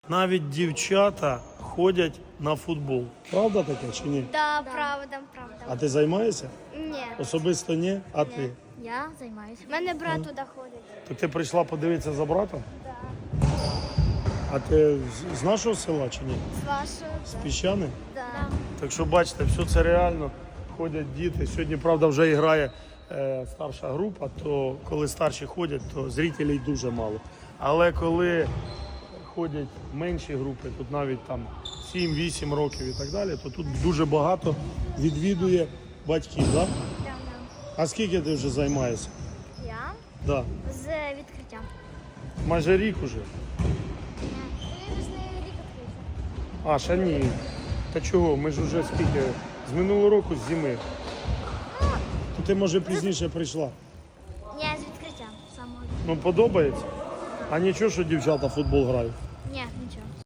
навіть дівчата ходять на футбол. Правда таке чи ні? Да, правда. А ти займаєшся? Ні. Особисто ні? А ти? Я займаюся. У мене брат туди ходить. То ти прийшла подивитися за братом? Так. А ти з нашого села чи ні? З вашою? З Піщани? Да. Так що бачите, все це реально. Ходять діти. Сьогодні, правда, вже грає старша група, то коли старші ходять, то зрителей дуже мало. Але коли ходять менші групи, тут навіть там 7-8 років і так далі, то тут дуже багато відвідує батьків, так? Да. А скільки ти вже займаєшся? Я Да. з відкриттям. Майже рік уже. Я вже з нею рік відкрив. А, ще ні. Та чого, ми ж вже скільки? З минулого року, з зими. То ти, може, пізніше прийшла. Ні, з відкриттям самого. Ну, подобається? А нічого, що дівчата в футбол грають? Ні, нічого.